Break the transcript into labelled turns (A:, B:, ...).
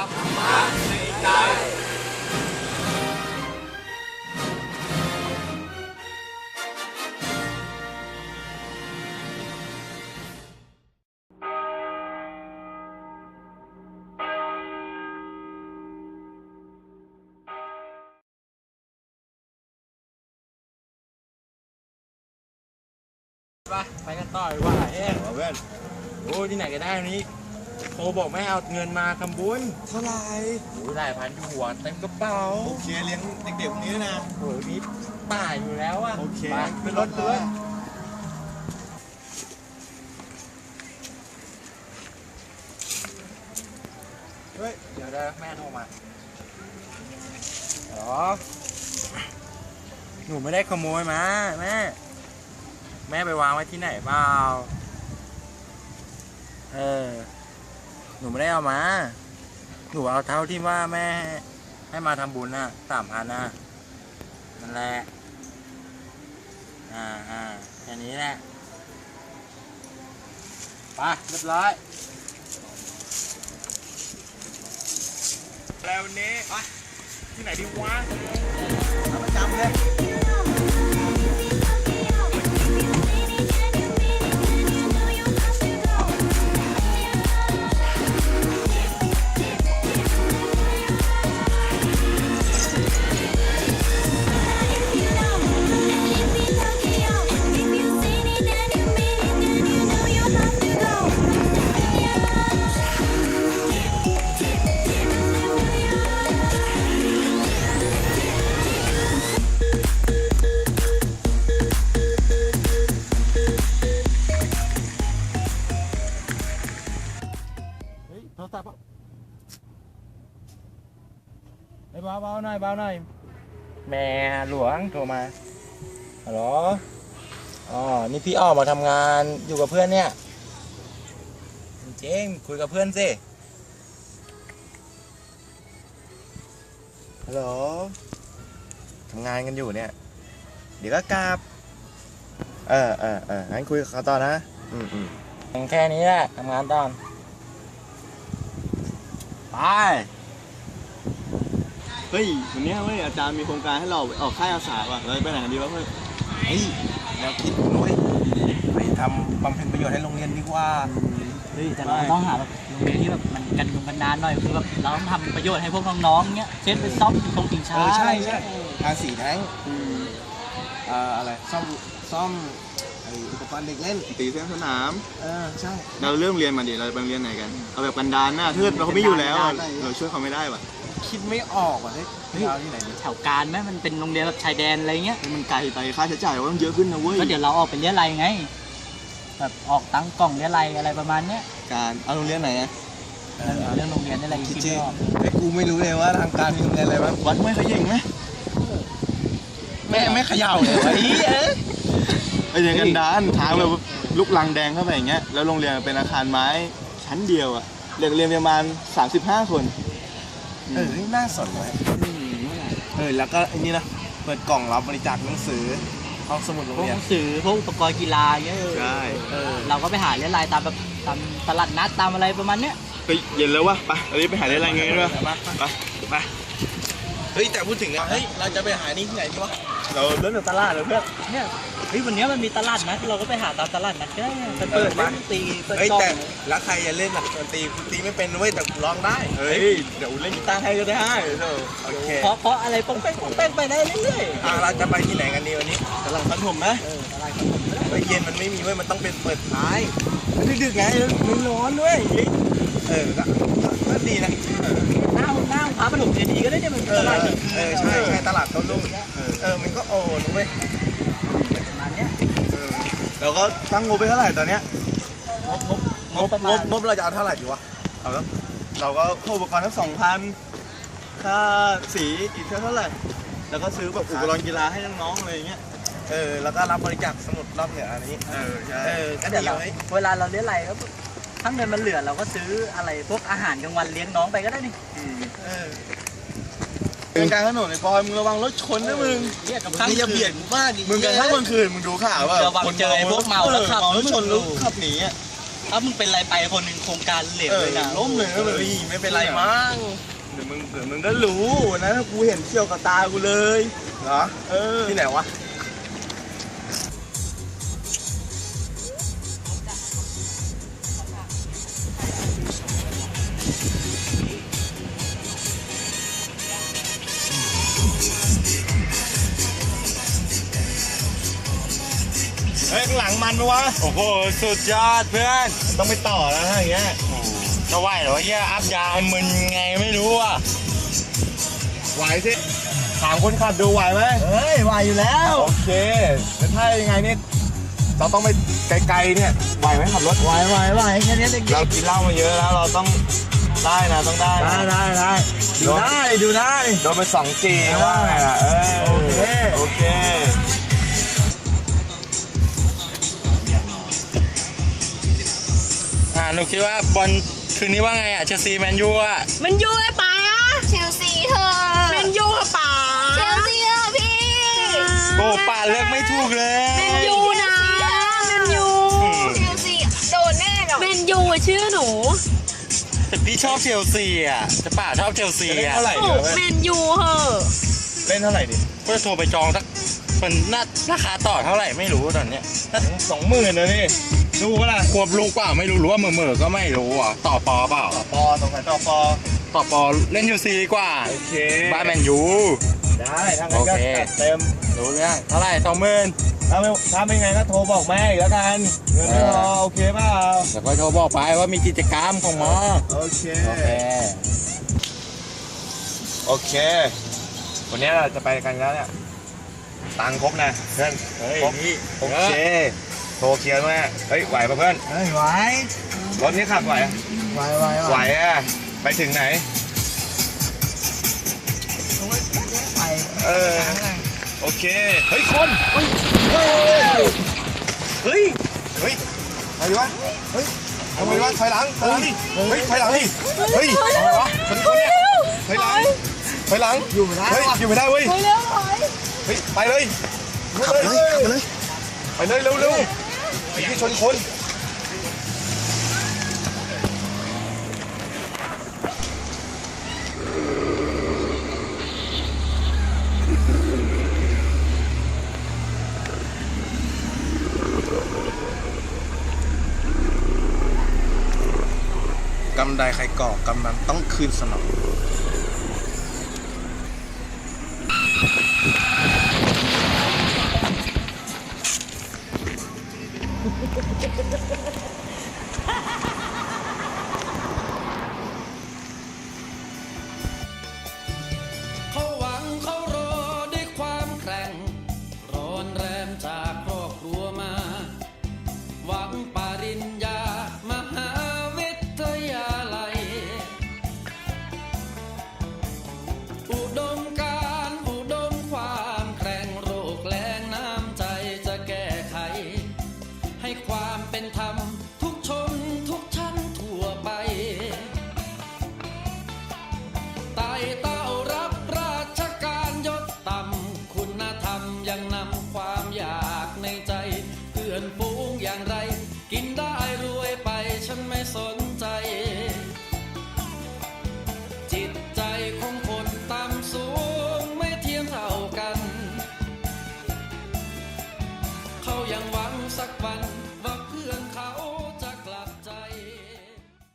A: รมะในใจไปกันต่อดีกว่าเอ๊ะเพื่อนโอ้ที่ไหนก็ได้นี้โทรบอกไม่เอาเงินมาทำบุญ
B: เท่าไหร่
A: โอ้หลายพันอยู่หัวเต็มกระเป๋า
B: โอเคเลี้ยงเด็กๆพวกนี้นะ
A: โอ้นี่ป่าอยู่แล้วอะ
B: โอเค
A: ไปขึ้นรถเพื่อนเฮ้ยเดี๋ยวแม่โทรมาหรอหนูไม่ได้ขโมยมาแม่ไปวางไว้ที่ไหนเปล่าหนูไม่ได้เอามาหนูเอาเท่าที่ว่าแม่ให้มาทำบุญน่ะ3,000น่ะนั่นแหละแค่นี้แหละไปเรียบร้อยแล้ววันนี้ไปที่ไหนดีวะประจำเลยโทรศัพท์เบาหน่อยแม่หลวงโทรมาฮัลโหลอ๋อนี่พี่ออกมาทำงานอยู่กับเพื่อนเนี่ยจริงคุยกับเพื่อนสิ
B: ฮัลโหลทำงานกันอยู่เนี่ยเดี๋ยวก็กลับงั้นคุยกับเขาต่อนะ
A: แค่นี้แหละทำงานตอนไป
B: เฮ้ยวันนี้เว้ยอาจารย์มีโครงการให้เราออกค่ายอาสาว่ะเราไปไหนกันดีวะเพื่อน
A: เฮ้ยแนวคิดนุ้ยไปทำบำเพ็ญประโยชน์ให้โรงเรียนดีกว่า
C: เฮ้ยแต่เราต้องหาแบบโรงเรียนที่แบบมันกันดารหน่อยคือแบบเราต้องทำประโยชน์ให้พวกน้องๆเงี้ยเช่นไปซ่อมตรงสิงช้า
B: ใช่ทาสีแท้งอะไรซ่อมอุปกรณ์เด็กเล่นตีเส้นสนามใช่เราเริ่มเรียนมาดิเราไปเรียนไหนกันเอาแบบกันดารนะถ้าเราไม่อยู่แล้วเราช่วยเขาไม่ได้ว่ะ
A: คิดไม่ออกว่ะเฮ้ยเอาที่ไหน
C: แถวการไหมมันเป็นโรงเรียนแบบชายแดนอะไรเงี้ย
B: มันไกลไปค่าใช้จ่ายมันเยอะขึ้นนะเว้ย
C: ก็เดี๋ยวเราออกไปเรียนอะไรไงแบบออกตั้งกล่องเรียนอะไรประมาณเนี้ย
B: การเอาโรงเรียนไหนอะ
C: เรื่องโรงเรียนนี่อะไรคิดไม่ออก
B: แต่กูไม่รู้เลยว่าทางการมีโรงเรียนอะไรบ้างวัดไม่ขยิงไหม
A: ไม่เขย่าเลยไ
B: อ้อย่างกันดานทางแบบลูกลังแดงเข้าไปอย่างเงี้ยแล้วโรงเรียนเป็นอาคารไม้ชั้นเดียวอะเด็กเรียนประมาณ35 คน
A: น่าสนเลยแล้วก็อันนี้นะเปิดกล่องรับบริจาคหนังสือห้องสมุดโรงเรียน
C: หนังสือพวกอุปกรณ์กีฬาเงี้ย
B: ใช่
C: เราก็ไปหาเรียนรายตามแบบตามตลาดนัดตามอะไรประมาณเนี้ย
B: ไปเย็นแล้ววะไปอันนี้ไปหาเรียนรายเงี้ยด้วยไป
A: เฮ้ยแต่พูดถึงอะเฮ้ยเราจะไปหานี่ที่ไหนดีวะ
B: เราเดินจากตลาดเลยเพื่อน
C: เนี่ยเฮ้ยวันนี้มันมีตลาดนัดเราก็ไปหาตามตลาดนัดก็ได้ไปเปิดเล่นตีเปิดกล้อง
A: แต่แล้วใครจะเล่นดนตรีตีไม่เป็นเว้ยแต่ร้องได้
B: เฮ้ยเดี๋ยวเล่นกีตาร์ให้ก็ได้
A: โอเค
C: เพราะอะไรป้องแป้งไปได้เรื่อย
A: ๆเราจะไปที่ไหนกันดีวันนี้
B: ตลาดพันผมนะ
C: ตลาดพันผม
A: ไปเย็นมันไม่มีเว้ยมันต้องเป็นเปิดท้ายดึกๆไงมันร้อนด้วยก็ดีนะ
C: หน้าพาปฐมดีก็ได้เนี่ยมันตลาด
A: ใช่ตลาดต้นลูกมันก็โอ้รู้ไหม
C: ประมาณเนี้ย
B: เราก็ตั้งงบไปเท่าไหร่ตอนเนี้ย
A: งบเราจะเอาเท่าไหร่ดีวะ
B: เอาแล้วเราก็อุปกรณ์ทั้ง2,000ค่าสีอีกเท่าไหร่แล้วก็ซื้อแบบอุปกรณ์กีฬาให้น้องๆอะไรอย่างเงี้ย
A: แล้วก็รับบริจาคสมุดรอบเหนืออันนี้
B: ใช่
C: ก็เดี๋ยวเวลาเราเลี้ยงอะไรก็ถ้าเงินมันเหลือเราก็ซื้ออะไรพวกอาหารกลางวันเลี้ยงน้องไปก็ได้นี่
B: เป็นการถนนในปอยมึงระวังรถชนนะมึง
A: นี่จะเบียดกูมาก
B: มึงกันทั้งวันคืนมึงดูข่าวว่า
C: ระวังเจอไอ้พวกเมาแล้วขับ
B: รถชนแล้วขับหนี
C: ถถ้ามึงเป็นไรไปคนหนึ่งโครงการเหลวเลยนะ
B: ล้มเลยนะแบบไม่เป็นไรมั้งเดี๋ยวมึงก็รู้นะถ้ากูเห็นเชี่ยวกับตากูเลยเหรอที่ไหนวะเฮ้ยข้างหลังมันปะวะ
A: โอ้โหสุดยอดเพื่อน
B: ต้องไปต่อแล้วถ้าอย่างเงี้ย
A: จะไหวเหรอวะเฮียอัพยามึนไงไม่รู้อ่ะ
B: ไหวสิถามคนขับดูไหวไหม
C: เฮ้ยไหวอยู่แล้ว
B: โอเคแล้วถ้ายังไงเนี่ยเราต้องไปไกลๆเนี่ยไหวไหมขับรถ
C: ไหวแค่นี้เด็ก
B: เรากินเหล้ามาเยอะแล้วเราต้องได้นะต้องได้นะ
C: ได้ดูได้
B: โดนไป2G ว่าไงล่ะโอเค
A: หนูคิดว่าบอลคืนนี้ว่าไงอ่ะเชลซีแมนยูอ่ะ
D: มันยูไอ้ป๋า
E: เชลซีเธอ
D: มันยูค่ะป๋า
E: เชลซีเธอพี่
A: โอ้ป่าเลือกไม่ถูกเลย
D: มันยูนะมันยู
E: เชลซีโดนแน่หรอก
D: มันยูอะชื่อหนู
A: แต่พี่ชอบเชลซีอ่ะแต่ป่าชอบเชลซี
B: เล่น
A: อ่ะ
B: เท่าไหร่
D: โอ้
B: ดีวะ
D: แมนยูเหอะ
B: เล่นเท่าไหร่ดิ
A: ก็จะโทรไปจองสักมันน่าราคาต่อเท่าไหร่ไม่รู้ตอนเนี้ย
B: 20,000นะนี่ดูก็ล่ะ
A: ควบลูกเปล่าไม่รู้หรือว่าเหม่อๆก็ไม่รู้อ่ะต่อปอเปล่า
B: ปอตรงไหนต่อปอ
A: ต่อปอเล่นยูซีดีกว่า
B: โอเค
A: บ้านแมนยู
B: ได้ถ้างั้นก็
A: โอเค
B: จัดเต็ม
A: รู้เรื่องเท่าไหร่20,000
B: ถ้าไม่ไงก็โทรบอกแม่อีกแล้วกันเงินไม่พอโอเคเปล่า
A: เดี๋ยวก็โทรบอกไปว่ามีกิจกรรมของหมอ
B: โอเค
A: โอเค
B: โอเควันนี้เราจะไปกันแล้วเนี่ยตังค์ครบนะเพื่อน
A: เฮ้ย
B: ครบ
A: นี่
B: โอเคโทรเคลียร์ด้วยเฮ้ยไหวป่ะเพื่อน
C: เฮ้ยไหว
B: รถนี้ขับไหวอะ ไหวอ่ะไปถึงไหน
C: ไป
B: เออโอเคเฮ้ยคนเฮ้ยอะไรวะเฮ้ยทำไมวะถอยหลังดิเฮ้ยถอยหลังดิเฮ้ยอะไรวะคนเนี่ยถอยหลังอยู่ไม่ได้เฮ้ยอยู่ไม่ได้เว้ยเฮ้ยไปเลยขับเลยไปเลยเร็วไอ้ที่ชนคนกำใดใครก่อกำนั้นต้องคืนสนอง
F: เขาหวังเขารอด้วยความแกร่งร้อนแรงจากครอบครัวมา หวังปริญญามหาวิทยาลัย อุดมการณ์อุดมความแกร่งโรคแรงน้ำใจจะแก้ไข ให้ความเป็นธรรมทุกชนทุกชั้นทั่วไปไต่เต้ารับราชการยศต่ำคุณธรรมยังนำความอยากในใจเพื่อนฝูงอย่างไร กินได้รวยไปฉันไม่สนใจ จิตใจของคนต่ำสูงไม่เทียมเท่ากัน เขายังหวังสักวัน